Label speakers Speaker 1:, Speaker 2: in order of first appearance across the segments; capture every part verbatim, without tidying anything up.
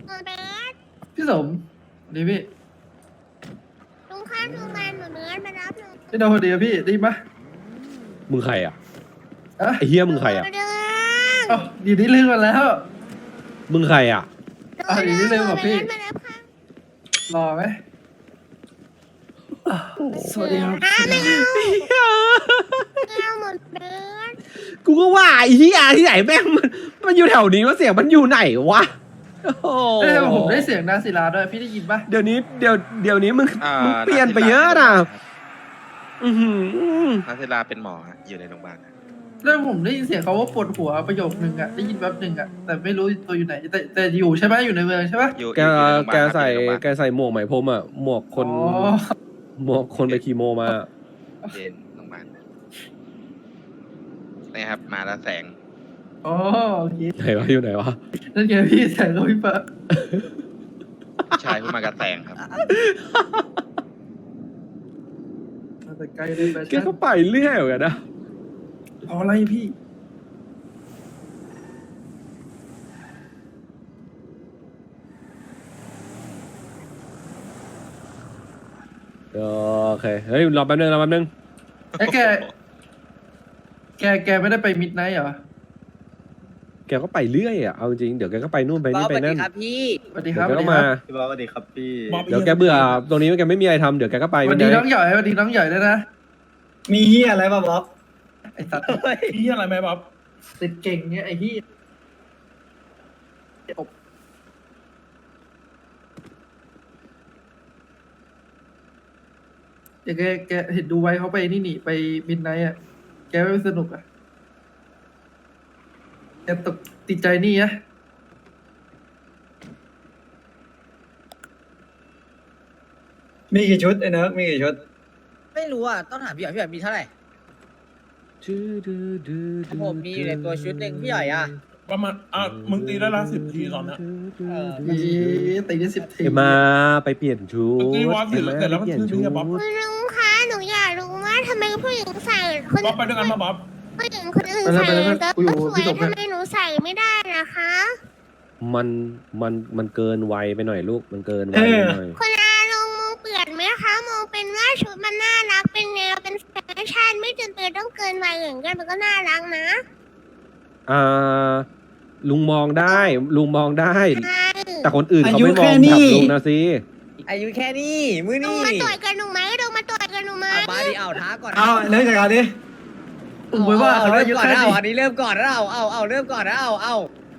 Speaker 1: เออเบส
Speaker 2: พี่สมดีพี่
Speaker 1: ลุงข้ามโรงพยาบาลหนูเนื้อมารับหนู
Speaker 2: พี่โดนพอดีอะพี่ได้ยินปะ
Speaker 3: มึงใครอ่ะ
Speaker 2: อ่ะ
Speaker 3: ไอ้เฮียมึงใครอ่ะ
Speaker 1: เดือง
Speaker 2: เอ้าดีนี่ลืมมาแล้ว
Speaker 3: มึงใครอ่ะ
Speaker 2: อ่ะดีนี่ลืมกับพี่
Speaker 1: มารับค่ะ
Speaker 2: รอไหมอ่ะสวัสดีครับ
Speaker 1: อ้าไม่เอาไม่เอาหมดเบส
Speaker 3: กูก็ว่าไอ้เฮียที่ไหนแม่งมันมันอยู่แถวนี้ว่าเสียงมันอยู่ไหนวะโอ้โห
Speaker 2: เอ้ยผมได้เสียงนาศิลาด้วยพี่ได้ยินปะ
Speaker 3: เดี๋ยวนี้เดี๋ยวเดี๋ยวนี้มึง
Speaker 4: อ่า
Speaker 3: มึงเปลี่ยนไปเยอะนะอือหือ
Speaker 4: นักศิลาเป็นหมอฮะอยู่ในโรงพยาบาลฮะ
Speaker 2: แล้วผมได้ยินเสียงเขาว่าปวดหัวประโยคนึงอะได้ยินแป๊บนึงอะแต่ไม่รู้ตัวอยู่ไหนแต่แต่อยู่ใช่ไหมอยู่ในเมืองใช่ปะ
Speaker 4: อยู่
Speaker 3: แก
Speaker 4: อยู่ในโรงพยาบาล
Speaker 3: แก
Speaker 4: ครับ
Speaker 3: ใส่
Speaker 4: อยู่ในโรงพยาบาล
Speaker 3: แกใส่หมวกไหมพรมอ่ะหมวกคน
Speaker 2: อ๋อ
Speaker 3: หมวกคนไปคีโมมา
Speaker 4: เย็นโรงพยาบาลนี่ครับมาแล้วแสง
Speaker 2: อ๋อโอเค
Speaker 3: ไหนวะอยู่ไหนวะ
Speaker 2: นั่นไงพี่แสงเขาพี่ปะ
Speaker 4: ผู้ชายผู้มากับแสงครับ
Speaker 2: มาแต่ไกลเลยแฟ
Speaker 3: แก
Speaker 2: ชั่น
Speaker 3: ก็ไปเรื่อยเหมือนกันนะ
Speaker 2: เอาอะไรพี่
Speaker 3: โอเคเฮ้ยรอแป๊บนึงรอแป๊บนึง
Speaker 2: ไอ้ยแก แกแกไม่ได้ไปมิดไนท์เหรอ
Speaker 3: แกก็ไปเรื่อยอ่ะเอาจริงเดี๋ยวแกก็ไปนู่นไป
Speaker 5: บอ
Speaker 3: นี่
Speaker 5: ส
Speaker 3: ไป
Speaker 5: สวัสดี
Speaker 3: นั่น
Speaker 5: ครับพี่
Speaker 2: สวัสดีค
Speaker 3: เดี๋
Speaker 2: รั
Speaker 3: ย
Speaker 2: บ
Speaker 3: วแกก็มา
Speaker 6: พี่บอสสวัสดีครับพี่
Speaker 3: เดี๋ยวแกเบื่อตรงนี้แกไม่มีอะไรทำเดี๋ยวแกก็ไป
Speaker 2: สวัสดีน้องหย่อยสวัสดีน้องหย่อยด้วยนะ
Speaker 6: มีเฮียอะไรป่ะบ๊อบ
Speaker 2: ไอ้สัตว์
Speaker 6: มีเฮียอะไรไหมบ๊อบ
Speaker 2: ติดเก่งเนี่ยไอ้ที่เดี๋ยวแกแกเห็นดูไว้เขาไปนี่นี่ไปมิดไนท์อ่ะ แกไม่สนุกอ่ะ แกตกติดใจนี่อะ
Speaker 6: มีกี่ชุดไอ้เนิร์กมีกี่ชุด
Speaker 5: ไม่รู้อ่ะ ต้องถามพี่หยอยพี่หยอยมีเท่าไหร่ของผมมีอยู่ในตัวชุดหนึ่งพี่หยอยอ่ะ
Speaker 7: ประมาณอ่ะมึงตีได้ละสิบทีตอนเนี้ย
Speaker 5: เออ
Speaker 2: อีตีได้สิบที
Speaker 3: เอ็มมาไปเปลี่ยนชุด
Speaker 7: เมื่อกี้วอสเสร็จแล้วเสร็จแล้วมัน
Speaker 3: เปลี่ยน
Speaker 7: คือ
Speaker 3: ชุ
Speaker 7: พี่
Speaker 3: ด
Speaker 7: อะบ๊อบ
Speaker 1: คุณลุงคะหนูอยากรู้ว่าทำไมผู้หญิงใส่คน
Speaker 7: บ๊อบไปด้วยกันมาบ๊อบ
Speaker 1: ผู้หญิงคนอื่นใส่แล้วก็สวยทำไมหนูใส่ไม่ได้นะคะ
Speaker 3: มันมันมันเกินวัยไปหน่อยลูกมันเกินวัย
Speaker 6: เออ
Speaker 3: ไปหน่อย
Speaker 1: คุณอาลงมองเปลี่ยนไหมคะมองเป็นว่าชุดมันน่ารักเป็นแนวเป็นแฟชั่นไม่จำเป็นต้องเกินวัยอย่างกันมันก็น่ารักนะ
Speaker 3: อ่าลุงมองได้ลุงมองได้
Speaker 1: ใช่
Speaker 3: แต่คนอื่นเขา
Speaker 6: อายุ
Speaker 3: ไม่มอง
Speaker 6: แค่นี้
Speaker 3: กับลุงนะสิ
Speaker 5: อายุแค่นี้ มือ
Speaker 1: ลุง
Speaker 5: นี่
Speaker 1: มาต่อยกันหนูไหมลุงมาต่อยกันหนูไหม
Speaker 5: เอามาดิเอาท้าก่อน
Speaker 6: เอาเนิร์กจัดการดิ
Speaker 2: ผมไม่ว่า
Speaker 5: เอา
Speaker 2: เขา
Speaker 5: เริ่
Speaker 2: อาม ยุ
Speaker 5: ก่อน
Speaker 2: แค่
Speaker 5: นะเอา
Speaker 2: นี้
Speaker 5: อันนี้เริ่มก่อนนะเอาเอาเอาเริ่มก่อนนะเอาเอา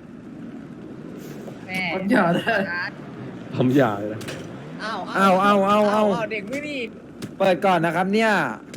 Speaker 5: แม่
Speaker 2: มันอย่าได้
Speaker 3: ผมอยากเลยนะ
Speaker 5: เอา
Speaker 8: เอาเอาเอาเอา
Speaker 5: เอาเด็กมือนี่
Speaker 8: เปิดก่อนนะครับเนี่ย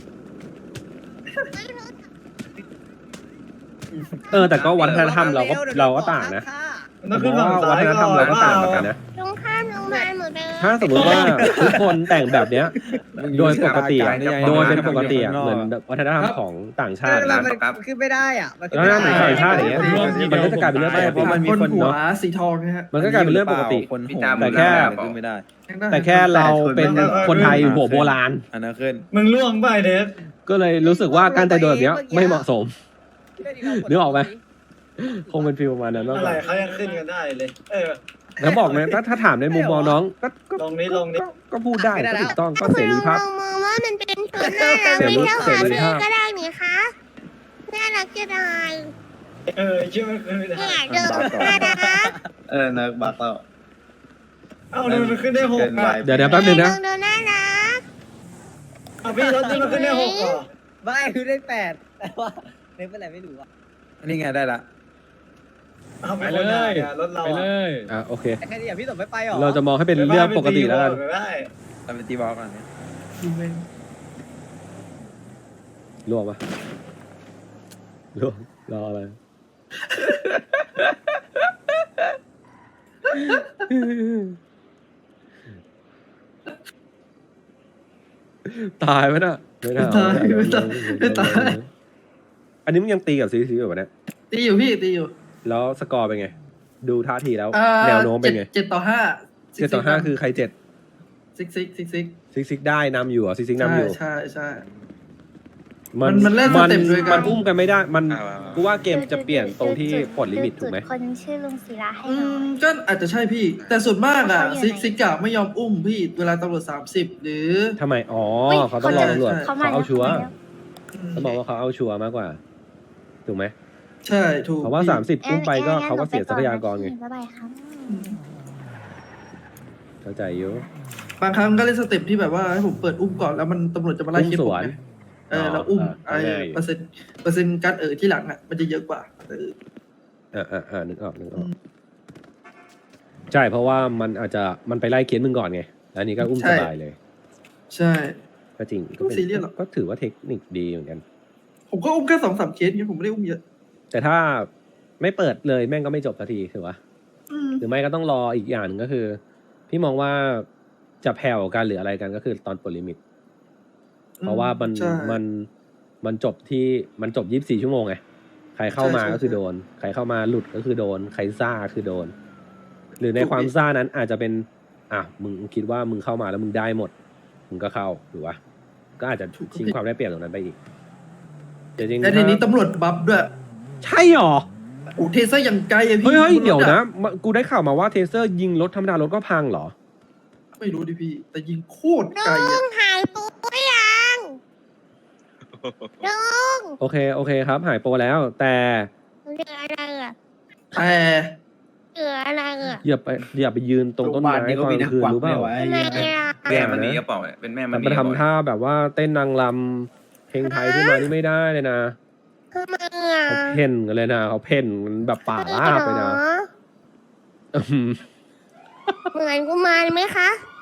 Speaker 3: เออแต่ก็วัฒนธรรมเราก็เราก็ต่างนะ
Speaker 6: มันต้องขึ้นฝั่ง
Speaker 3: วั
Speaker 6: ซ้าย
Speaker 3: ฒนธรรมเราก็ต่างเหมือนกันนะ
Speaker 1: ลุงข้ามโรงพยาบาลหมดเลย
Speaker 3: ถ้าสมมติว่าทุกคนแต่งแบบเนี้ย โดยปกติอะโดยเป็นปกติอะเหมือนวัฒนธรรมของต่างชาติ
Speaker 5: มั
Speaker 3: นะ
Speaker 5: นมันขึ้นไม่ได้อ่ะมันขึ้น
Speaker 3: แล้ว
Speaker 5: ไม่
Speaker 3: นั่น
Speaker 5: ได้
Speaker 3: ต่างชาติอย่างเงี้ยมันก็จะกลายเป็นเรื่องปก
Speaker 8: เพราะมัน
Speaker 3: ติ
Speaker 8: มีคน
Speaker 2: หัว
Speaker 8: เนาะ
Speaker 2: สีทองนะฮะ
Speaker 3: มันก็กลายเป็นเรื่องปกติ
Speaker 8: คนโห
Speaker 3: แต่แค่
Speaker 8: ขึ้นไม่ได้
Speaker 3: แต่แค่เราเป็นคนไทยหัวโบราณ
Speaker 8: อันนั้นขึ้น
Speaker 6: มึงล่วงไปเนิร์ก
Speaker 3: ก็เลยรู้สึกว่าการแต่งตัวแบบเนี้ยไม่เหมาะสม นึกออกไหม คงเป็นฟิลประมาณนั้นมาก
Speaker 6: อะ
Speaker 3: ก
Speaker 6: ไร
Speaker 3: ว่า
Speaker 6: เขายังขึ้นกันได้เลย เออ
Speaker 3: แล้วบอกนะถ้าถ้าถามในมุมมองน้องก็ก็
Speaker 6: ลงนี้ลงนี้
Speaker 3: ก็ก็พูดได้ก็ถูกต้องก็เสรีภาพ
Speaker 1: คุณลุงมองว่ามันเป็นชุดน่ารัก
Speaker 3: เสรี
Speaker 1: ไม่เท่า
Speaker 3: เส
Speaker 1: หา
Speaker 3: รี
Speaker 1: ซื้อ
Speaker 3: ภาพ
Speaker 1: ก็ได้นี่คะน่ารักจะได้
Speaker 6: เออเชื่อมันขึ้นไม่ได้
Speaker 1: เนี่ยเดินน่ารัก
Speaker 6: เออเนิร์กบักแล้วเอ้ามันขึ้นได้หกอ่ะ
Speaker 3: เดี๋ยวเดี๋ยวแป๊บนึงนะ
Speaker 1: เดินน่ารัก
Speaker 6: เอาพี่รถนี่มันขึ้นได้หกเหรอ
Speaker 5: ไม่คือได้แปดแต่ว่าเล่นเป็นอะไรไม่รู้อ่ะ
Speaker 8: อันนี้ไงได้ละ
Speaker 6: เอาไปเลยรถเรา
Speaker 7: ไปเล
Speaker 6: อะ
Speaker 7: ย
Speaker 3: อ่ะโอเค
Speaker 5: แต่แค่นี้อ่ะพี่สมไม่ไปหรอ
Speaker 3: เราจะมองให้เป็นเรื่องปกติแล้วกัน
Speaker 6: ไม่ได้
Speaker 8: ทำเป็นตีบอลก่อนเนี่ย
Speaker 3: รวมปะรวมรออะไร ตายไหมน่ะไม่น่า
Speaker 2: ตายไม่ตายไม่ตาย
Speaker 3: อันนี้มึงยังตีกับซีซีอยู่ปะเนี่ย
Speaker 2: ตีอยู่พี่ตีอยู่
Speaker 3: แล้วสกอร์เป็นไง ดูท่าทีแล้ว
Speaker 2: อ่า
Speaker 3: แนวโน้มเป็นไง
Speaker 2: เจ็ดต่อห้า
Speaker 3: เจ็ดต่อห้าคือใครเจ็ด
Speaker 2: ซิกซิกซิกซิก
Speaker 3: ซิกซิกได้นำอยู่เหรอซิกซิกนำอยู่
Speaker 2: ใช่ใช่ใช่มันมันเล่นสเต็ปด้วยกัน
Speaker 3: มันอุ้มกันไม่ได้ มัน
Speaker 4: เอาเอาเอา
Speaker 3: กูว่าเกมจะเปลี่ยนตรงที่ปลดลิมิตถูกไหม
Speaker 1: คนชื่อลุงศิลาให้
Speaker 2: อื
Speaker 1: หน่อ
Speaker 2: ม
Speaker 1: ย
Speaker 2: ก็อาจจะใช่พี่ แต่ส่วนมากอ่ะ
Speaker 1: เขาอยู่ไหน
Speaker 2: ซิกซิกอะไม่ยอมอุ้มพี่เวลาตำรวจสามสิบหรือ
Speaker 3: ทำไม อ๋อ
Speaker 1: เฮ้ย
Speaker 3: เขาต้องรอตำรวจ
Speaker 2: เขา
Speaker 1: เขามา
Speaker 3: เขาเอาชัวร์
Speaker 1: แล้ว
Speaker 3: เขาบอกว่าเขาเอาชัวร์มากกว่า ถูกไหม
Speaker 2: ใช่ถูก
Speaker 3: เพราะว่า
Speaker 2: พี่
Speaker 3: สามสิบ
Speaker 1: งั้น
Speaker 3: อุ้มไปก็
Speaker 1: งั้น
Speaker 3: เขาก็
Speaker 1: หนู
Speaker 3: เสียทรัพยากรไง
Speaker 1: บ๊ายบายครับ
Speaker 3: เข้าใจอยู่
Speaker 2: บางครั้งก็เล่นสเต็ปที่แบบว่าให้ผมเปิดอุ้มก่อนแล้วมันตำรวจจะมาไล่เคสผม
Speaker 3: อุ้มสวน
Speaker 2: ไงเออแล้วอุ้ม
Speaker 3: อ๋อ
Speaker 2: ไอ้
Speaker 3: ง่ายอยู่
Speaker 2: เปอร์เซ็นต์เปอร์เซ็นต์การเออที่หลังอ่ะมันจะเยอะกว่าเออ
Speaker 3: อ่าอ่าอ่านึกออกนึกออก ใช่เพราะว่ามันอาจจะมันไปไล่เคสมึงก่อนไงแล้วอันนี้ก็อุ้มสบายเลย
Speaker 2: ใช่
Speaker 3: ก็จริงก็
Speaker 2: ไม่
Speaker 3: เป็น
Speaker 2: ซีเรียสหรอก
Speaker 3: ก็ถือว่าเทคนิคดีเหมือนกัน
Speaker 2: ผมก็อุ้มแค่สองสามเคสเงี้ยผมไม่ได้อุ้มเยอะ
Speaker 3: แต่ถ้าไม่เปิดเลยแม่งก็ไม่จบสักทีถือว่า
Speaker 2: อืม
Speaker 3: หรือไม่ก็ต้องรออีกอย่างหนึ่งก็คือ พี่มองว่าจะแผ่วกันหรืออะไรกันก็คือตอนปลดลิมิต เพราะว่ามัน
Speaker 2: ใช่
Speaker 3: มันมันจบที่มันจบยี่สิบสี่ชั่วโมงไงใครเข้ามา
Speaker 2: ใช่ใช่
Speaker 3: ก็คือโดน ใครเข้ามาหลุดก็คือโดน ใครซ่าคือโดน หรือใน
Speaker 2: ถูก
Speaker 3: ความ
Speaker 2: ดิ
Speaker 3: ซ่านั้นอาจจะเป็น อ่ะมึงคิดว่ามึงเข้ามาแล้วมึงได้หมด มึงก็เข้าหรือวะก็อาจจะชิงความได้เปรียบตรงนั้นไปอีกแต่จริงๆ
Speaker 2: แต่ทีนี้
Speaker 3: ถ้า
Speaker 2: ตำรวจบัฟด้วย
Speaker 3: ใช่หรอ
Speaker 2: โอ้เทเซอร์อย่างไกลอะพี่
Speaker 3: เฮ้ยเฮ้ย
Speaker 2: บรถ
Speaker 3: เดี๋ยว
Speaker 2: อ
Speaker 3: นะมากูได้ข่าวมาว่าเทเซอร์ยิงรถธรรมดารถก็พังเหรอ
Speaker 2: ไม่รู้ดิพี่ แต่ยิงโคตร
Speaker 1: ลุ
Speaker 2: ไกลอะ
Speaker 1: งหายตัวยังลุง
Speaker 3: โอเคโอเคครับ หายโปรแล้ว แต่
Speaker 1: เหลืออะไรอ่ะ
Speaker 2: แต่
Speaker 1: เหลืออะไรอ่ะ
Speaker 3: อย่าไปอย่าไปยืนตรงต้นไม้ตอนกลางคืนรู้เปล่า
Speaker 1: ทำไมอ่ะ
Speaker 3: แม่มันนี่ก็เปล่าเป็นแม่มันไปทำท่าแบบว่าเต้นนางรำเพลงไทยขึ้นมานี่ไม่ได้เลยนะ
Speaker 1: ทำไมอ่ะ
Speaker 3: เขาเพ่นกันเลยนะเขาเพ่นกันแบบป่าลาบเลยนะ
Speaker 1: หรอ
Speaker 3: อื้อหือ
Speaker 1: เหมือนกุมารไหมคะ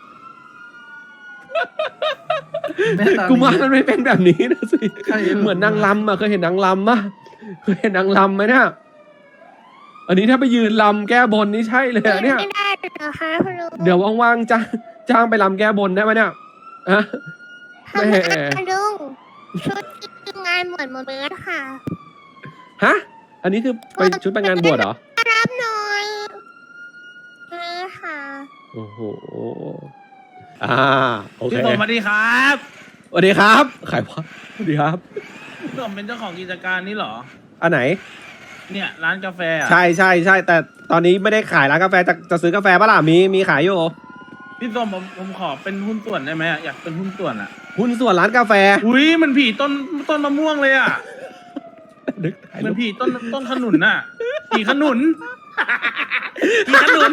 Speaker 2: แม่ต
Speaker 3: กูมามันไม่เป็นแบบนี้นะสิ
Speaker 2: ใคร
Speaker 3: เหมือนนางรำอ่ะเคยเห็นนางรำปะเคยเห็นนางรำไหมเนี่ยอันนี้ถ้าไปยืนรำแก้บนนี่ใช่เลยอะเนี่ย
Speaker 1: ไม่ได้เหรอคะคุณลุง
Speaker 3: เดี๋ยวว่างๆจ้างจ้างไปรำแก้บนได้ไหมเนี่ยอะ
Speaker 1: ทำไม
Speaker 3: แม่
Speaker 1: อ่ะลุงชุดทีมงานเหมือนหมดเลยค่ะ
Speaker 3: ฮะ อันนี้คือไปชุดไปงานบวชเหรอ
Speaker 1: รับหน่อยเออค่ะ
Speaker 3: โอ้โห อ่า โอเค
Speaker 7: พี่สมสวัสดีครับ
Speaker 3: สวัสดีครับขายวะสวัสดีครับ
Speaker 7: พี่สมเป็นเจ้าของกิจการนี้เหรอ
Speaker 3: อันไหน
Speaker 7: เนี่ยร้านกาแฟอะ
Speaker 3: ใช่ใช่ใช่ แต่ตอนนี้ไม่ได้ขายร้านกาแฟ จะจะซื้อกาแฟปะล่ะ มี มีขายอยู่
Speaker 7: พี่สมผมผมขอเป็นหุ้นส่วนได้ไหมอะอยากเป็นหุ้นส่วนอ่ะ
Speaker 3: หุ้นส่วนร้านกาแฟ
Speaker 7: อุ้ยมันผีต้นต้นมะม่วงเลยอ่ะ
Speaker 3: นึกถ่าย
Speaker 7: มั
Speaker 3: รู
Speaker 7: น
Speaker 3: ป
Speaker 7: ผีต้นต้นขนุนน่ะผีขนุน ผีขนุน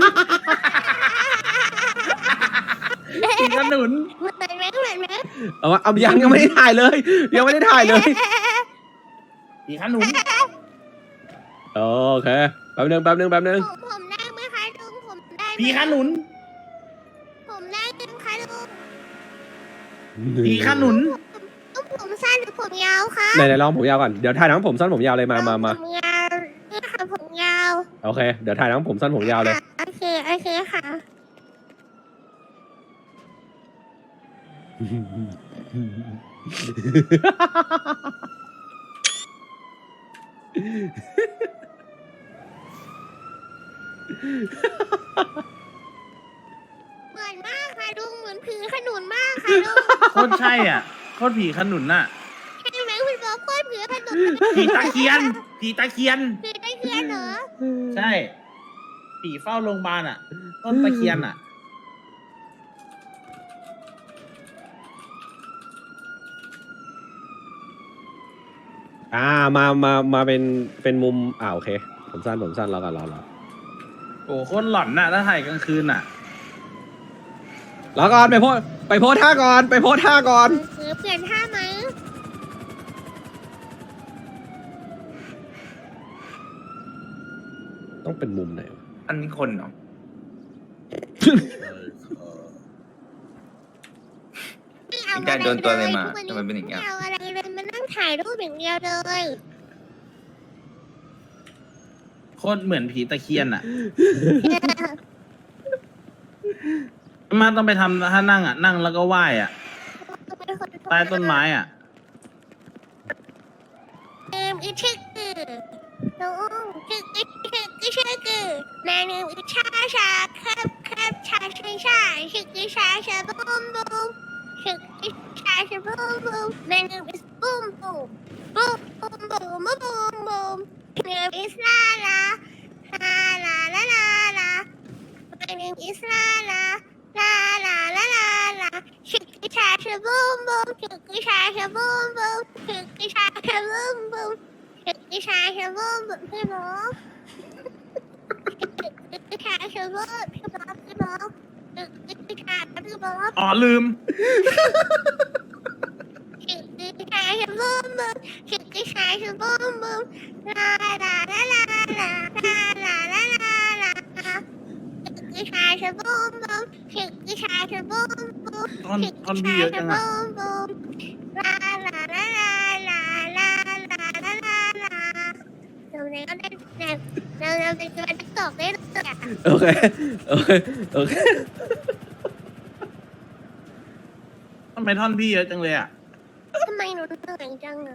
Speaker 7: ผีขนุน
Speaker 1: เหมือนไหมเหมือนไหม
Speaker 3: เอาวะเอายังยังไม่ได้ถ่ายเลย ยังไม่ได้ถ่ายเลย
Speaker 7: ผีขนุน
Speaker 3: โอเค แป๊บนึงแป๊บนึงแป๊บนึง
Speaker 1: ผมผมได้ไหมคะลุงผมได้ไหม
Speaker 7: ผีขนุน
Speaker 1: ผมได้ไหมคะลุง
Speaker 7: ผีขนุน
Speaker 1: ต้องผมสั้นหรือผมยาวคะ
Speaker 3: ไหนไหนลองผมยาวก่อน เดี๋ยวถ่ายทั้งผมสั้นผมยาวเลยมามามา
Speaker 1: ผมยาวนี่ค่ะผมยาว
Speaker 3: โอเค เดี๋ยวถ่ายทั้งผมสั้นผมยาวเลย
Speaker 1: โอเคโอเคค่ะ เหมือนมากค่ะลุงเหมือนผีขนุนมากค่ะลุง
Speaker 7: โคตรใช่อ่ะโคตรผีขนุนน่ะ
Speaker 1: ใช่ไหมคุณบอกโคตรผีขนุน
Speaker 7: ผีตะเคียน ผีตะเคียน
Speaker 1: ผีได้เคียนเหรอ
Speaker 7: ใช่ ผีเฝ้าโรงพยาบาลอ่ะ ต้นตะเคียนอ่ะ
Speaker 3: อ่า มา มา มาเป็น เป็นมุม อ่าโอเค ผมสั้น ผมสั้นรอก่อนรอรอ
Speaker 7: โอ้โคตรหลอนน่ะ ถ้าถ่ายกลางคืนน่ะ
Speaker 3: รอก่อน ไปโพสไปโพสท่าก่อน ไปโพสท่าก่อน
Speaker 1: คือเปลี่ยนท่าไหม
Speaker 3: ต้องเป็นมุมไหนวะ
Speaker 8: อันนี้คนเนาะ
Speaker 1: ไม่เอา
Speaker 8: มีการโดนตัวอะไรมาทำไมเป็นอย่างเงี้ย
Speaker 1: ไม่เอาอะไรเลยมานั่งถ่ายรูปอย่างเดียวเลย
Speaker 7: โคตรเหมือนผีตะเคียนอ่ะ มาต้องไปทำถ้านั่งอ่ะ นั่งแล้วก็ไหว้อ่ะ ใต้ต้นไม้อ่ะ
Speaker 1: เนิมอีชิกือน้องชิกอีชิกอีชิกือแม่เนิมอีชาชาครับครับชาชาชาชิกอีชาชาบูมบูมชิกอีชาชาบูมบูมแม่เนิมอีบูม boom boom boom boom boom boom My name is Lala La la la la la My name is Lala La la la la la Shake it out boom boom Shake it out boom boom Shake it out boom boom Shake it out boom boom พี่น้องพี่ชายเชอร์บพี่บ๊อบพี่บ๊อบพี่ชายพี่บ๊อบ
Speaker 7: อ๋อลืม
Speaker 1: พี่ชายเชอร์บพี่ชายเชอร์บลาลาลาลาลาลาลาลาลาลาพี่ชายเชอร์บพี่ชายเชอร์บ
Speaker 7: ท่อนท่อนพี่เยอะจังอะ
Speaker 1: ลาลาลาลาลาลาลาลาลาลาเราเนี่ยก็ได้เราเราเป็นตัวติ๊กตอกได้เลยอ่ะ
Speaker 3: โอเค โอเค โอเค
Speaker 7: ทำไมท่อนพี่เยอะจังเลยอ่ะ
Speaker 1: ทำไมหนูเหนื่อยจังอ่ะ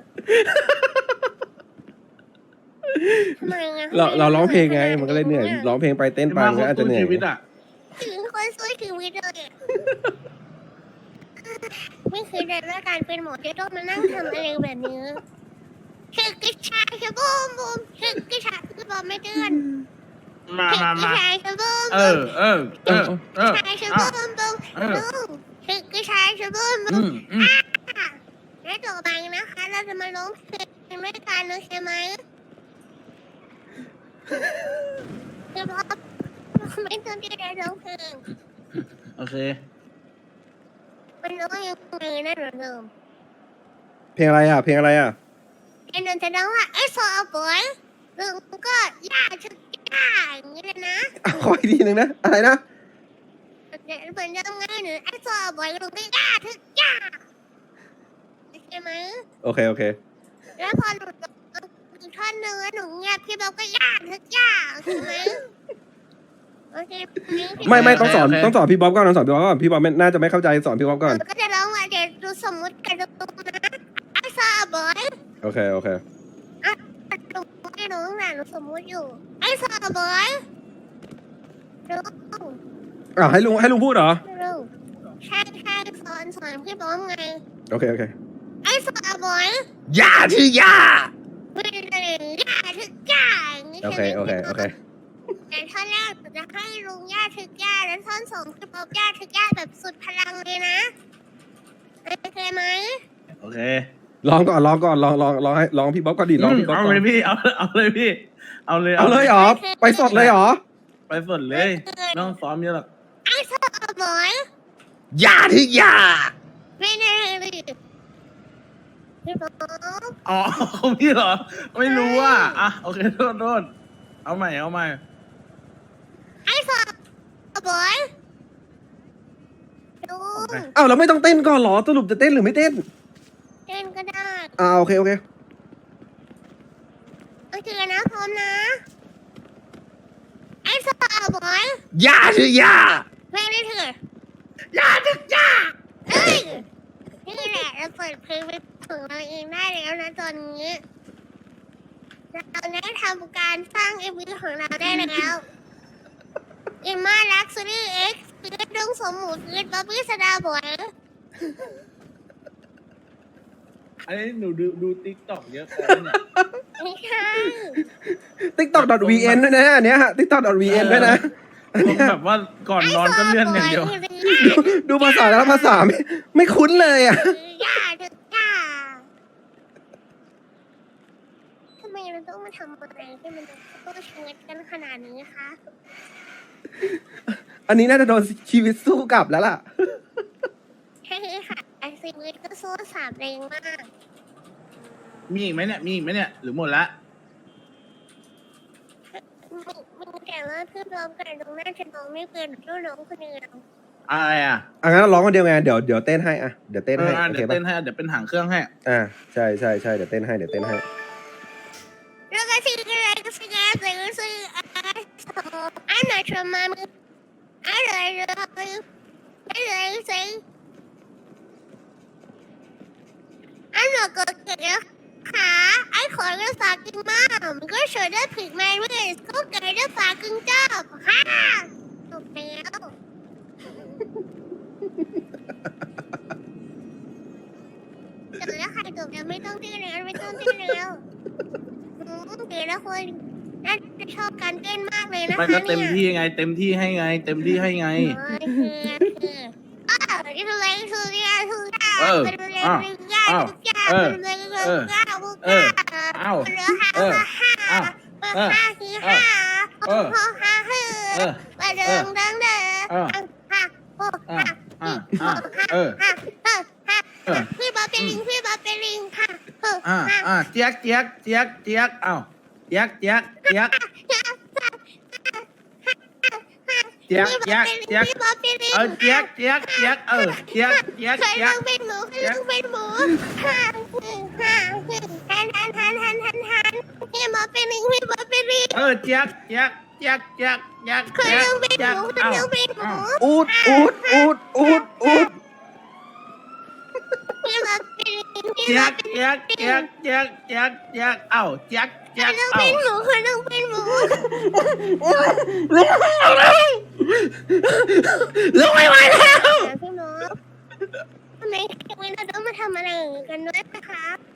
Speaker 1: ทำไมอ่ะ
Speaker 3: เราเราร้องเพลงไง มันก็เลยเหนื่อย ร้องเพลงไปเต้นไป
Speaker 7: มา
Speaker 3: มันก็อาจจะเหนื่อย
Speaker 7: ชีวิตอ่ะ
Speaker 1: ถึงคนสู้ชีวิตเลยอะไม่เคยได้ว่าการเป็นหมอจะต้องมานั่งทำอะไรแบบนี้คือกระชายคือบูมบูมคือกระชายคือบอมไม่เตือน
Speaker 7: มามามา
Speaker 1: คือกระชายคือบูม
Speaker 7: เอ
Speaker 1: บู
Speaker 7: อ
Speaker 1: ม
Speaker 7: เออ เออ เออ
Speaker 1: กระชายคือ
Speaker 7: อ่ะ
Speaker 1: บูมบูม
Speaker 7: เออ
Speaker 1: บูมคือกระชายคือบูมบู
Speaker 7: อื
Speaker 1: ม
Speaker 7: มอืม
Speaker 1: และต่อไปนะคะ เราจะมาร้องเพลงด้วยกันโอเคไหมคือพอไม่ต้องที่จะร้องเพลง
Speaker 7: โอเค
Speaker 1: มันร้องยังไงนะหนูเดิม
Speaker 3: เพลงอะไรอ่ะ เพลงอะไรอ่ะ
Speaker 1: ไอ้นนท์จะร้องว่าไอ้ซอบอยลุงก็ย่าชุดย่าอย่างนี้เลยนะ
Speaker 3: ขออีกทีหนึ่งนะ อะไรนะ
Speaker 1: เดี๋ยวเหมือนจะไงหนูไอ้ซอบอยลุงก็ย่าชุดย่าใช่ไหม
Speaker 3: โอเค โอเค
Speaker 1: แล้วพอหลุดอีกท่อนหนึ่งแล้วหนูเงียบพี่บอกก็ย่าชุดย่าใช่ไหมโอเค
Speaker 3: ไม่ไม่ต้องสอน
Speaker 7: โอเค
Speaker 3: ต้องสอนพี่บ๊อบก่อนต้องสอนพี่บ๊อบก่อน พี่บ๊อบไม่น่าจะไม่เข้าใจสอนพี่บ๊อบก่อน
Speaker 1: หนูก็จะร้องว่าเดี๋ยวดูสมมุติกันดูนะไอ้ซอบอย
Speaker 3: โอเค โอเค
Speaker 1: หนูไม่รู้นะหนูสมมุติอยู่ไอ้ซอบอยลุง
Speaker 3: อ่าให้ลุงให้ลุงพูดเหรอ
Speaker 1: ลุงใช่ใช่สอนสอนพี่บอมไง
Speaker 3: โอเค โอเค
Speaker 1: ไอ้ซอบอย
Speaker 3: ย่าชื่อย่า
Speaker 1: ไม่ได้ย่าทึกย่าอย่างนี้
Speaker 3: โอ
Speaker 1: ใช่
Speaker 3: เค
Speaker 1: ไหม
Speaker 3: โอเค โอเค
Speaker 1: แต่ท่อนแรกหนูจะให้ลุงย่าทึกย่าแล้วท่อนสองพี่บอมย่าทึกย่าแบบสุดพลังเลยนะโอเคไหม
Speaker 7: โอเค
Speaker 3: ลองก่อน ลองก่อน ลองลองลองให้ลองพี่บ๊อบก่อนดิลองพี่บ๊อบ
Speaker 7: เอา
Speaker 3: ก่อ
Speaker 7: เล
Speaker 3: น
Speaker 7: ยพี่ เอา เอาเลยพี่ เอาเลย
Speaker 3: เอาเลยเหรอ ไปสดเลยเหรอ
Speaker 7: ไปสดเลย ไม่ต้องซ้อมเยอะหรอก
Speaker 1: ไอ้ซอบอย
Speaker 3: ย่าชื่อย่า
Speaker 1: ไม่ได้เลยพี่บอม
Speaker 7: อ๋อของพี่เหรอ ไม่รู้อ่ะ อ่ะ โอเค โทษโทษเอาใหม่ เอาใหม่
Speaker 1: ไอ้ซอบอยลุง
Speaker 3: อ้าวเราไม่ต้องเต้นก่อนเหรอ สรุปจะเต้นหรือไม่เต้น
Speaker 1: เต้นก็ได้
Speaker 3: อ่าโอเค โอเค
Speaker 1: โอเคนะพร้อมนะไอ้ซอบอย
Speaker 3: ย่าชื่อย่า
Speaker 1: เพลงนี้เถอะยาจึกยาเอ้ยนี่แหละเราเปิดเพลงเป็นของเราเองได้แล้วนะตอนนี้เราได้ทำการสร้างเอ็มวีของเราได้แล้วอิมมาลักซ์รี่เอ็กซ์เพื่อดงสมหมูเพื่อบ๊อบบี้สดาบอย
Speaker 7: อันนี้หนูดูดูติ๊กต็อกเยอะไปเนี่ย
Speaker 1: ไม่ใช่
Speaker 3: tiktok.vn ด้วยนะอันเนี้ย tiktok.vn ด้วยนะอัน
Speaker 7: ผม
Speaker 3: เนี้ย
Speaker 7: แบบว่าก่อนนอนก็เลื่อนอย่างเดียว
Speaker 3: ดูดูภาษาแล้วภาษาไม่ไม่คุ้นเลยอ่ะ
Speaker 1: ยาจึกยาทำไมเราต้องมาทำอะไรที่มันจะต้องเชิดกันขนาดนี้คะ
Speaker 3: อันนี้น่าจะโดนชีวิตสู้กลับแล้วล่ะ
Speaker 1: ใช่ค่ะไอซีวิตก็สู้สามแรงมาก
Speaker 7: มีอีกไหมเนี่ย มีอีกไหมเนี่ย หรือหมดละ
Speaker 1: มีมีแต่ว่าเพื่อนร้องกันตรงหน้าจะร้องไม่เป็นก็ร้องคนเดียว
Speaker 7: อะไรอ่ะ
Speaker 3: อ่ะงั้นร้องคนเดียวไงเดี๋ยวเดี๋ยวเต้นให้อ่ะเดี๋ยวเต้น
Speaker 7: เอ
Speaker 3: ให้
Speaker 7: ออ่ะ
Speaker 3: โอ
Speaker 7: เดี๋
Speaker 3: เค
Speaker 7: ยว
Speaker 3: ป่ะ
Speaker 7: เต้นให้ เดี๋ยวเป็นหางเครื่องให้
Speaker 3: อ่าใช่ใช่ใช่เดี๋ยวเต้นให้เดี๋ยวเต้นให้
Speaker 1: แล้วก็ชื่ออะไรก็ชื่ออะไรก็ชื่ออะไรอันไหนชมามืออะไรเลยอะไรสิอันไหนก็เกิดขาไอ้ขอเรื่องฝากกินมากมันก็เฉยได้ผิดมาเรื่อยก็เกิดได้ฝากกินเจ้าฮ่าจบแล้วจบแล้วใครจบแล้วไม่ต้องเต้นแล้วไม่ต้องเต้นแล้วอืมเดี๋ยวละคนน่าจะชอบการเต้นมากเลยนะคะ
Speaker 7: มันก็เต็ม
Speaker 1: เนี่ย
Speaker 7: ที่ไง เต็มที่ให้ไง เต็มที่ให้ไง
Speaker 1: อ๋อคือคืออ้าวนี่คืออะไรคือเนี่ยคือเนี่ย
Speaker 7: เออ
Speaker 1: เป็นอะไร
Speaker 7: อ้าว
Speaker 1: เป็นยา
Speaker 7: อ้าว
Speaker 1: ทุกอย่าง
Speaker 7: เออ
Speaker 1: เป็นอะไรเป็น
Speaker 7: เออ
Speaker 1: ยาทุก
Speaker 7: เอ
Speaker 1: อ
Speaker 7: อย่าง อ้าว
Speaker 1: เหลือห้า
Speaker 7: เออ
Speaker 1: ห้า
Speaker 7: อ้าว
Speaker 1: เออ
Speaker 7: เออ
Speaker 1: ห้าสี่ห้า
Speaker 7: เออ
Speaker 1: หกห้าห้า
Speaker 7: เออ
Speaker 1: ไปเดินเดินเดิน
Speaker 7: เออ
Speaker 1: ห้าหก
Speaker 7: อ่า
Speaker 1: ห้า
Speaker 7: อ่าอ่าเออ
Speaker 1: ห้าห้าห้า
Speaker 7: เออ
Speaker 1: พี่บอลเป็นลิงพี่บอลเป็นลิงค่ะเออ
Speaker 7: อ่า
Speaker 1: ห้า
Speaker 7: อ่าเจี๊ยกเจี๊ยกเจี๊ยกเจี๊ยกเอ้าเจี๊ยกเจี๊ยกเจี๊ยกเจี๊ยกเจี๊ยกเจี๊ยก
Speaker 1: พี่บอลเป็นลิง
Speaker 7: เออเจี๊ยกเจี๊ยกเจี๊ยกเออเจี๊ยกเจี๊ยก
Speaker 1: เคย
Speaker 7: เจี๊ย
Speaker 1: ต้
Speaker 7: ก
Speaker 1: องเป็นหมูเคยต้องเป็นหมูห้าห้าหันหันหันหันหันหันพี่บอลเป็นลิงพี่บอลเป็นลิง
Speaker 7: เออเจี๊ยกเจี๊ยกเจี๊ยกเจี๊ยกเจี๊ยก
Speaker 1: เคยต้องเป็นหมูเคยต้องเป็นหมู
Speaker 3: อูดอูดอูดอูดอูด
Speaker 1: พี่บอลเป็นลิงพี่
Speaker 7: เจี๊
Speaker 1: บ
Speaker 7: ย
Speaker 1: อล
Speaker 7: ก
Speaker 1: เป็น
Speaker 7: เจี๊ยกเจี๊ยกเจี๊ยกเจี๊ยกเจี๊ยกเอ้าเจี๊ยก
Speaker 1: เค
Speaker 7: เจี๊ย
Speaker 1: ย
Speaker 7: ก
Speaker 1: ต้อง
Speaker 7: เอ้า
Speaker 1: เป็นหมูเคยต้องเป็นหมู
Speaker 3: ลุกไม่ไหวแล้ว
Speaker 1: พี่หมูทำไมวันนี้เราต้องมาทำอะไรกันด้วยนะคะ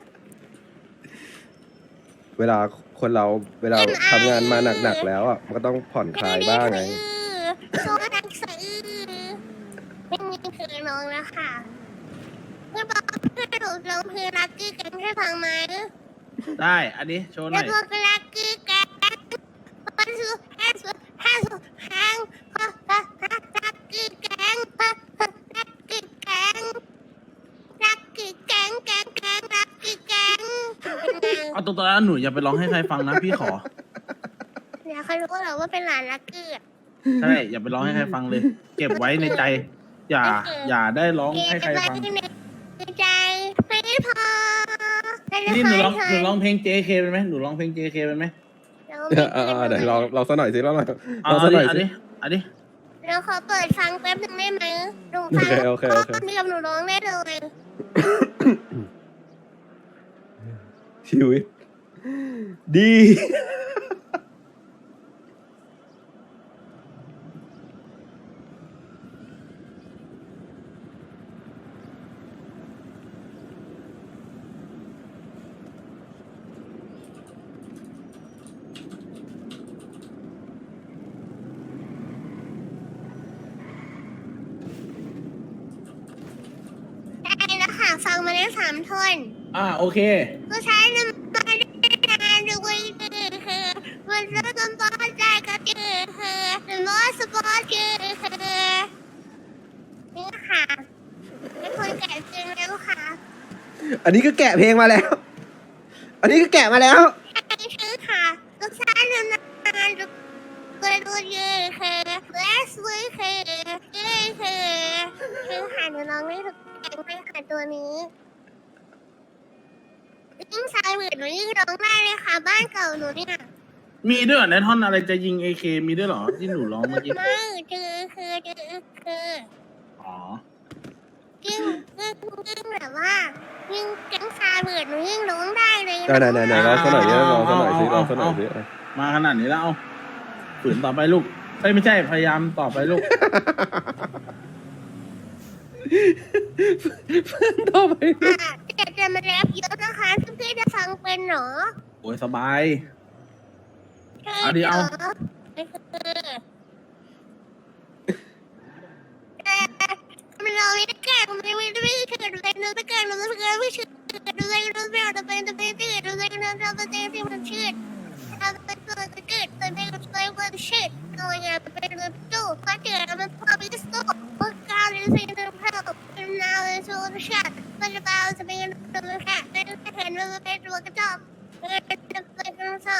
Speaker 3: เวลาคนเราเวลาทำงานมาหนักๆแล้วอ่ะมันก็ต้องผ่อนคลายบ้างไง
Speaker 1: โซดังสะอื้อไม่มีคือน้องแล้วค่ะเพื่อนบอกเพื่อนหนูร้องเพลงรักกี้กันให้ฟังไหม
Speaker 7: ได้ อันนี้โชว์ห
Speaker 1: แล้
Speaker 7: น่
Speaker 1: ว
Speaker 7: อย
Speaker 1: พวกรักกี้กันปันสุแฮสุแฮสุแฮงฮะฮะฮะรักกี้แกงฮะฮะรักกี้แกงรักกี้แกงแกงแกงรักกี้แกง
Speaker 7: เอาตรงๆแล้วหนูอย่าไปร้องให้ใครฟังนะพี่ขอ
Speaker 1: เดี๋ยวเขารู้เหรอว่าเป็นหลานรักกี้อะ
Speaker 7: ใช่ อย่าไปร้องให้ใครฟังเลย เก็บไว้ในใจ อย่า อย่าได้ร้องให้ใครฟัง
Speaker 1: เก็บไว้ในใจไม่พอ
Speaker 7: นี่หนูร้องหนูร้องเพลง เจ เค เป็นไหมหนูร้องเพลง เจ เค เป็นไหม
Speaker 3: เออเออเออเดี๋ยวลองลองสักหน่อยสิลองหน่อย
Speaker 7: เอา
Speaker 3: ลองสั
Speaker 7: อั
Speaker 3: ก
Speaker 7: น
Speaker 3: หน่
Speaker 7: นี้
Speaker 3: อย
Speaker 7: อัน
Speaker 3: สิ
Speaker 7: นี้อันนี้
Speaker 1: เราขอเปิดฟังแป๊บหนึงได้ไหมหนูฟัง
Speaker 3: โอเคโอเคโอเค
Speaker 1: เดียวหนูร้องได้เลย
Speaker 3: ชีวิต ดี
Speaker 1: ได้แล้วค่ะฟังมาได้สามท่อน
Speaker 7: อ่าโอเค
Speaker 1: ผู้ชายนำมาได้นานด้วยคือมันเริ่มต้นใจก็คือคือหรือว่าสปอร์ตคือคือนี่ค่ะเป็นคนแก่จริงแล้วค่ะ
Speaker 3: อันนี้ก็แกะเพลงมาแล้ว อันนี้ก็แกะมาแล้ว
Speaker 1: ใช่คือค่ะผู้ชายนำมาดูก็ดูเยอะคือและสวยคือเยอะคือคือค่ะหนูร้องได้ทุกเพลงเลยค่ะตัวนี้ ยิ่งชายเหมือนหนูยิ่งร้องได้เลยค่ะบ้านเก่าหนูเนี่ย
Speaker 7: มีด้วยเหรอในท่อนอะไรจะยิง เอ เค มีด้วยเหรอที่หนูร้องเมื่อกี้
Speaker 1: ไม่คือคือคือคือ
Speaker 7: อ๋อ
Speaker 1: ยิ่งยิ่งยิ่งแบบว่ายิ่งแก๊งชายเหมือนหนูยิ่งร้องได้เลย
Speaker 3: ไหนไหนไหนไหนลองสักหน่อยดิลองสักหน่อยสิลองสักหน่อยสิ
Speaker 7: มาขนาดนี้แล้วเอาฝืนต่อไปลูกเอ้ยไม่ใช่พยายามต่อไปลูก
Speaker 3: ต่อไป
Speaker 1: อ่ะแต่จะมาแรปเยอะนะคะทุกพี่จะฟังเป็นเหรอ
Speaker 7: โอ้ยสบาย
Speaker 1: ใช่
Speaker 7: เอาดิเอา
Speaker 1: หรไม่คือแต่มันเราไม่ได้แก่มันไม่ได้ไม่เกิดอะไรเนื้อไม่เกิดมันไม่เกิดไม่เชื่อดูเลยดูไม่เอาแต่เป็นแต่เป็นตื่นดูเลยดูเราเป็นที่มันเชื่อเราเป็นตัวเกิดแต่เป็นตัวมันเชื่อเราอย่าเป็นตัวตู้ก็เกิดมันพอไปสู้พวกการเล่นสิ่งที่เราเป็นนาวเป็นสู้ชัดมันจะเอาจะเป็นตัวแค่เป็นเห็นมันเป็นตัวกระจอกเป็นเป็นเป็นกระจอก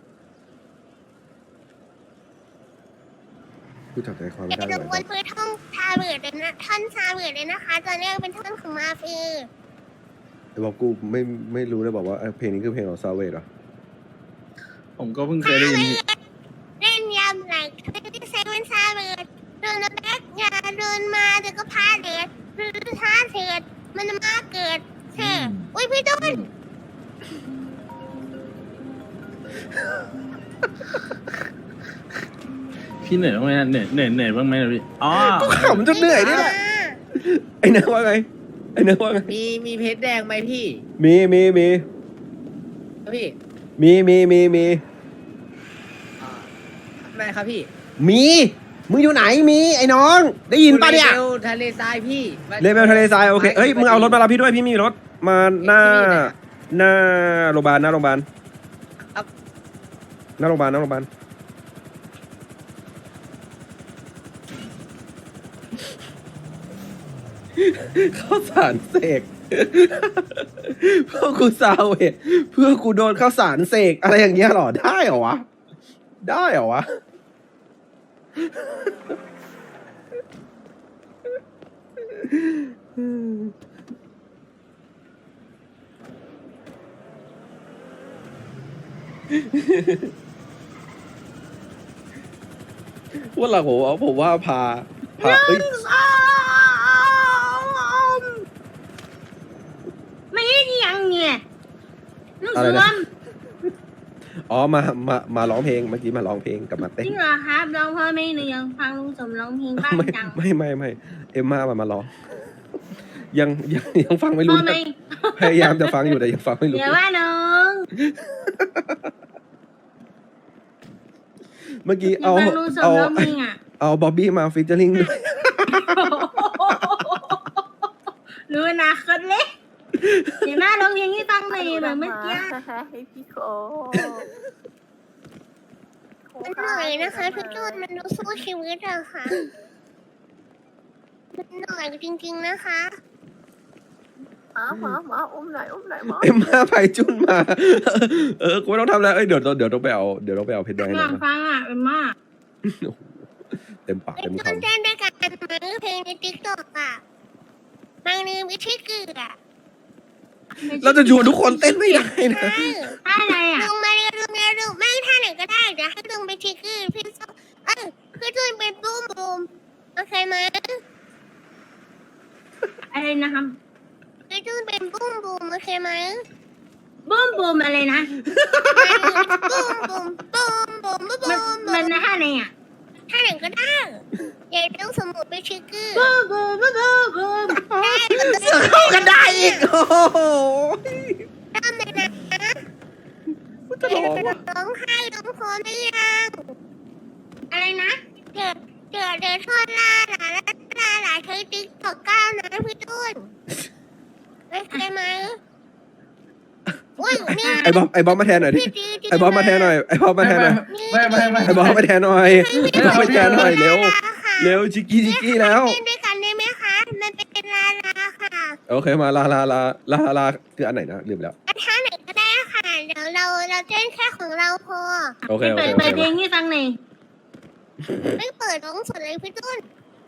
Speaker 3: กูจับใจความไม่
Speaker 1: เป็
Speaker 3: ได้
Speaker 1: น
Speaker 3: เลย
Speaker 1: วนพื้นท่องชาเบิดเลยนะท่อนชาเบิดเลยนะคะตอนแรกเป็นท่อนของมาฟี
Speaker 3: ไอ้บอกกูไม่ไม่รู้เลยบอกว่าเพลงนี้คือเพลงของซาเวดเหรอ
Speaker 7: ผมก็เพิ่งเคยได้ยิน
Speaker 1: เล่นยำหลังที่เซเว่นชาเบิดเดินมาแบกยาเดินมาเดี๋ยวก็พาเดือดหรือท้าเถิดมันมาเกิดเธออุ้ยพี่ต้น
Speaker 7: พี่เหนื่อยบ้างไหมเหนื่อยเหนื่อยเหนื่อยบ้างไหมพี่อ๋อ
Speaker 3: กูขำจนเหนื่อยนี่แหละไอ้นั่นว่าไงไอ้เนื้อว่าไง
Speaker 5: มีมีเพชรแดงไหมพี่
Speaker 3: มีมีมี
Speaker 5: พี่
Speaker 3: มีมีมีมี
Speaker 5: อ่าไม่ครับพี่
Speaker 3: มีมึงอยู่ไหนมีไอ้น้องได้ยินปะเนี่ย
Speaker 5: เลเวลทะเลทรายพี่
Speaker 3: เลเวลทะเลทรายโอเคเอ้ยมึงเอารถมารับพี่ด้วยพี่มีรถมาหน้าหน้าโรงพยาบาลหน้าโรงพยาบาลหน้าโรงพยาบาลหน้าโรงพยาบาลข้าวสารเสกเพื่อกูซาวเวทเพื่อกูโดนข้าวสารเสกอะไรอย่างเงี้ยหรอได้เหรอวะได้เหรอวะว่าหลังผมว่าผมว่าพาพาเอ้ย
Speaker 1: ไม่ได้ยังเนี่ยนุ่ง
Speaker 3: อะไร
Speaker 1: สว
Speaker 3: นะ
Speaker 1: ม
Speaker 3: อ๋อมามามาร้องเพลงเมื่อกี้มาร้องเพลงกับมา
Speaker 1: จ
Speaker 3: เต้น
Speaker 1: ริงเหรอครับร้องเพราะไม่หนูยังฟังลุงสมร้องเพลงบ้าง
Speaker 3: ไม่
Speaker 1: จัง
Speaker 3: ไม่ไม่ไม่เอ็มมามามาร้องยังยังยังฟังไม่
Speaker 1: พ
Speaker 3: รู้
Speaker 1: อไหม
Speaker 3: พยายามจะฟังอยู่แต่ยังฟังไม่รู้
Speaker 1: เดี๋ยวว่าน้อง
Speaker 3: เมื่อกี้
Speaker 1: ยัง
Speaker 3: เอา
Speaker 1: ฟังลุงสม
Speaker 3: เอา
Speaker 1: ร้องเพลงอ่ะ
Speaker 3: เอาบ๊อบบี้มาฟิชเจอริงด้วย
Speaker 1: รู้อนาคตเลยเดี๋ยวมาร้องเพลงให้ฟังหน่อยแบบเมื่อกี้
Speaker 9: ให้พี่โค
Speaker 1: มันเหนื่อยนะคะทุกคนมันดูสู้ชีวิตอะค่ะมันเหนื่อยจริงๆนะคะ
Speaker 9: หมาหมาหมาอุ้มหน่อยอุ้มหน่อยหมา
Speaker 3: เอ็มมาไปจุนมา เออกูไม่ต้องทำแล้วเอ้ยเดี๋ยวเดี๋ยวต้องไปเอาเดี๋ยวต้องไปเอาเพชรแดง
Speaker 1: อ
Speaker 3: หน่
Speaker 1: ยา
Speaker 3: อย
Speaker 1: ก
Speaker 3: นะ
Speaker 1: ฟังอ่ะเป็นมาก
Speaker 3: เต็มปาก
Speaker 1: เป็
Speaker 3: เต็
Speaker 1: น
Speaker 3: ม
Speaker 1: ต้น
Speaker 3: คำ
Speaker 1: เต้นด้วยกันไหมเพลงในติ๊กต็อกอ่ะบางนึงวิธีเกลือ
Speaker 3: เราจะชวนทุกคนเต้นไม่ได้นะ
Speaker 1: ใช่ท่าอะไรอ่ะลุงมาเร็วลุงมาเร็วไม่ท่าไหนก็ได้เดี๋ยวให้ลุงไปทิกเกอร์พี่ส้มเออพี่จุนเป็นบูมบูมโอเคไหมอะไรนะครับพี่จุนเป็นบูมบูมโอเคไหมบูมบูมอะไรนะบูมบูมบูมบูมบูมบูมมันท่าไหนอ่ะท่าไหนก็ได้เดี๋ยวต้องสมุดไปทิกเกอร์บูมบูมบูมบูมบูมได้เลย
Speaker 3: เข้ากันได้อีกโอ้โห
Speaker 1: เริ่มเลยนะ
Speaker 3: จะร้องว่ะ
Speaker 1: ร้องไห้ร้องโคหรือยังอะไรนะเดี๋ยวเดี๋ยวเดี๋ยวทอดลาหลาลาลาหลาใช้ติ๊กตอกก้าวนะพี่ตุ้นโอเคไหมอุ้ยนี่
Speaker 3: ไอ้บอมไอ้บอมมาแทนหน่อยดิ
Speaker 1: พี่จีจี
Speaker 3: ไอ้บอมมาแทนหน่อยไอ้บอมมาแทนหน่อย
Speaker 2: ไม่ไม่ไม่
Speaker 3: ไอ้บอมมาแทนหน่อยไอ้บอมมาแทนหน่อยเร็ว
Speaker 1: ค่ะ
Speaker 3: เร็วชิกกี้ชิกกี้แล้ว
Speaker 1: เต้นด้วยกันได้ไหมคะมันเป็นลาลาค่ะ
Speaker 3: โอเคมาลาลาลาลาลาคืออันไหนนะลืมไปแล้ว
Speaker 1: ท่าไหนก็ได้ค่ะเดี๋ยวเราเราเต้นแค่ของเราพอ
Speaker 3: โอเคโอเคโอ
Speaker 1: เปิด
Speaker 3: เค
Speaker 1: เพลงให้ฟังหน่อยไม่เปิดร้องสดเลยพี่ตุ้น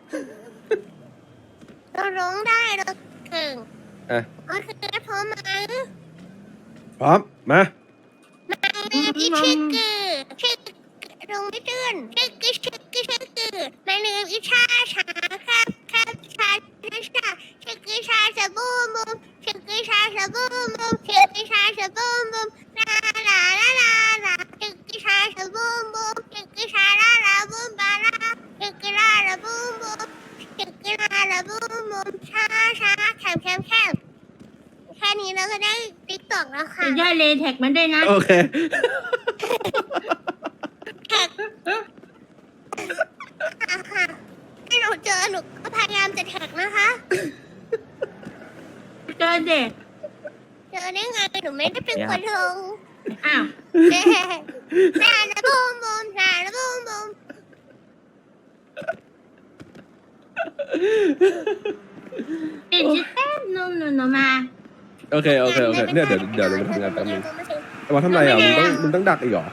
Speaker 1: เราร้องได้เราเก่ง
Speaker 3: อ่ะ
Speaker 1: โอเคพร้อมไหม
Speaker 3: พร้อมมา
Speaker 1: มาเลยพี่ชิคกี้ชิคลงไม่ตื่นชิคกี้ชิคกี้ชิคกี้มาเลยอีชาชาครับครับชาชาชิคกี้ชาชาบูมบูมชิคกี้ชาชาบูมบูมชิคกี้ชาชาบูมบูมลาลาลาลาลาชิคกี้ชาชาบูมบูมชิคกี้ชาลาลาบูมบาลาชิคกี้ลาลาบูมบูมชิคกี้ลาลาบูมบูมชาชาแคมแคมแคมแค่นี้เราก็ได้ติ๊กต็อกแล้วค่ะย่อยเลยแท็กมันด้วยนะ
Speaker 3: โอเค
Speaker 1: แท็กค่ะให้หนูเจอหนูก็พยายามจะแท็กนะคะเจอเด็กเจอได้ไงหนูไม่ได้เป็นคนลงอ้าวแน่แน่นะบูมบูมแน่นะบูมบูมปิดจิ๊บแป๊บนุ่มหนูหนูมา
Speaker 3: โอเคโอเคโอเคเนี่ยเดี๋ยวเดี๋ยวเราไปทำงานแป๊บนึงไอ้บอมทำไรอ่ะมึงต้องมึงต้องดักอีกเหรอ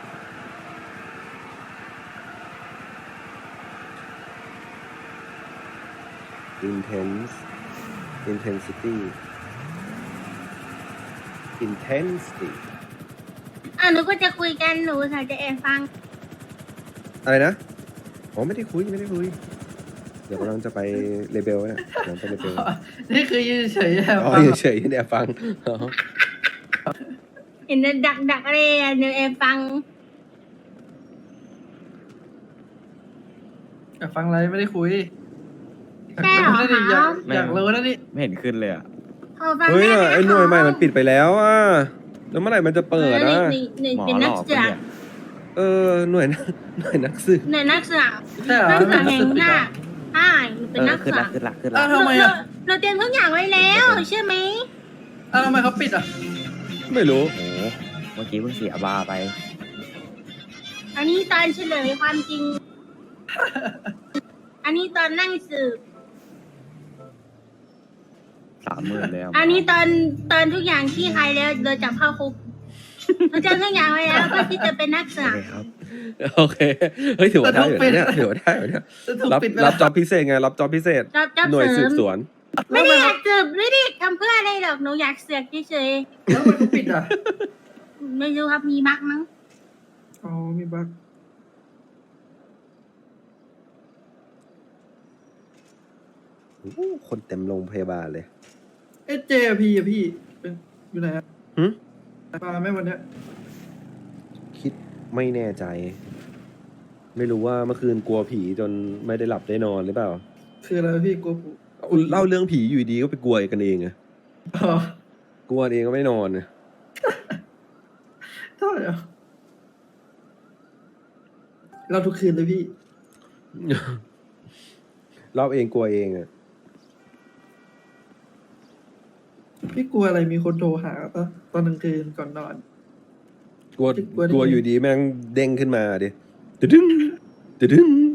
Speaker 3: intense intensity intensity
Speaker 1: อ่ะหนูก็จะคุยกันหนูสาวจะแอบฟัง
Speaker 3: อะไรนะอ๋อไม่ได้คุยไม่ได้คุย เดี๋ยวกำลังจะไปเลเบลเนี่ยกำลังไปเลเบล
Speaker 2: นี่คือยืนเฉยๆอะ
Speaker 3: อ๋อเฉยๆเนี่ยฟังอ๋อ
Speaker 1: เห็นดักดักอะไรอ่ะหนูแอบฟัง
Speaker 2: อยากฟังอะไรไม่ได้คุย
Speaker 1: ใช่เหรอ
Speaker 2: อยากรู้นะนี่อยาก
Speaker 6: ไม่
Speaker 2: อยากรู้นะนี่
Speaker 6: ไม่เห็นขึ้นเลยอ่ะ
Speaker 1: ขอฟัง
Speaker 3: เฮ้ย
Speaker 1: ได้ไหม
Speaker 3: ไอ้หน่วยใหม่มันปิดไปแล้วอ่ะแล้วเมื่อไหร่มันจะเปิด
Speaker 1: ห
Speaker 3: อ่ะ
Speaker 1: นึ่งหนึ่งเป็นนักศึกษา
Speaker 3: เออหน่วยนักหน่วยนักสืบ
Speaker 1: หนึ่งนักศึกษา
Speaker 2: ใช่เหรอ
Speaker 1: นักศึกษา
Speaker 2: ไม่
Speaker 1: แห่ง
Speaker 2: รู้สึก
Speaker 1: หน้า
Speaker 2: อ่ะ
Speaker 1: ใช่เป็นนักศึกษา
Speaker 2: อ้าวทำไม
Speaker 1: เรา
Speaker 2: อ่ะ
Speaker 1: เราเตรียมทุกอย่างไว้แล้วใช่ไหม
Speaker 2: อ้าวทำไมเขาปิดอ่ะ
Speaker 3: ไม่รู้
Speaker 5: โอ้เมื่อกี้เพิ่งเสียบาไป
Speaker 1: อันนี้ตอนเฉลยความจริง อันนี้ตอนนั่งสืบ
Speaker 5: สามหมื่นแล้ว
Speaker 1: อันนี้ตอนตอนทุกอย่างที่ใครแล้วเราจับเข้าคุกเราเตรียมทุกอย่างไว้แล้วเพื่อที่จะเป็นนักศึก
Speaker 5: โอ
Speaker 1: ษา
Speaker 5: เคครับ
Speaker 3: โอเคเฮ้ยถือว่าได้อยู่นะเนี่ยถือว่าได้อยู่เนี่ย
Speaker 2: จะถูก
Speaker 3: รับ
Speaker 2: ปิดไป
Speaker 3: รั
Speaker 2: แล้
Speaker 3: บ
Speaker 2: ว
Speaker 3: จอบพิเศษไงรับจอบพิเศษ
Speaker 1: จับจับ
Speaker 3: หน่วย
Speaker 1: เส
Speaker 3: สื
Speaker 1: ริ
Speaker 3: บ
Speaker 1: ม
Speaker 3: สวน
Speaker 1: ไม่ได้อยากสืบไม่ได้ทำเพื่ออะไรหรอกหนูอยากเสือกเฉย
Speaker 2: แล้วทำไมเขาปิดอ่ะ
Speaker 1: ๆไม่รู้ครับมีมักมั้ง
Speaker 2: อ๋อมีบั๊ก
Speaker 3: โอ้โหคนเต็มโรงพยาบาลเลย
Speaker 2: เอเจพีอะพี่เป็นอยู่ไหนอะ
Speaker 3: หึ
Speaker 2: มาไหมวันเนี้ย
Speaker 3: คิดไม่แน่ใจ ไม่รู้ว่าเมื่อคืนกลัวผีจนไม่ได้หลับได้นอนหรือเปล่า
Speaker 2: คืออะไรพี่กลัวผู
Speaker 3: เล่าเรื่องผีอยู่ดีก็ไปกลัวกันเองอะ
Speaker 2: อ๋อก
Speaker 3: ลัวเองก็ไม่นอนอะ
Speaker 2: เท่าไหร่อะเราทุกคืนเลยพี่
Speaker 3: เล่าเองกลัวเองอะ
Speaker 2: พี่กลัวอะไรมีคนโทรหาปะตอนกลางคืนก่อนนอน
Speaker 3: กลัว
Speaker 2: กลัวดิ
Speaker 3: กลัวอยู่ดีแม่งเด้งขึ้นมาดิตึดึงตึดึง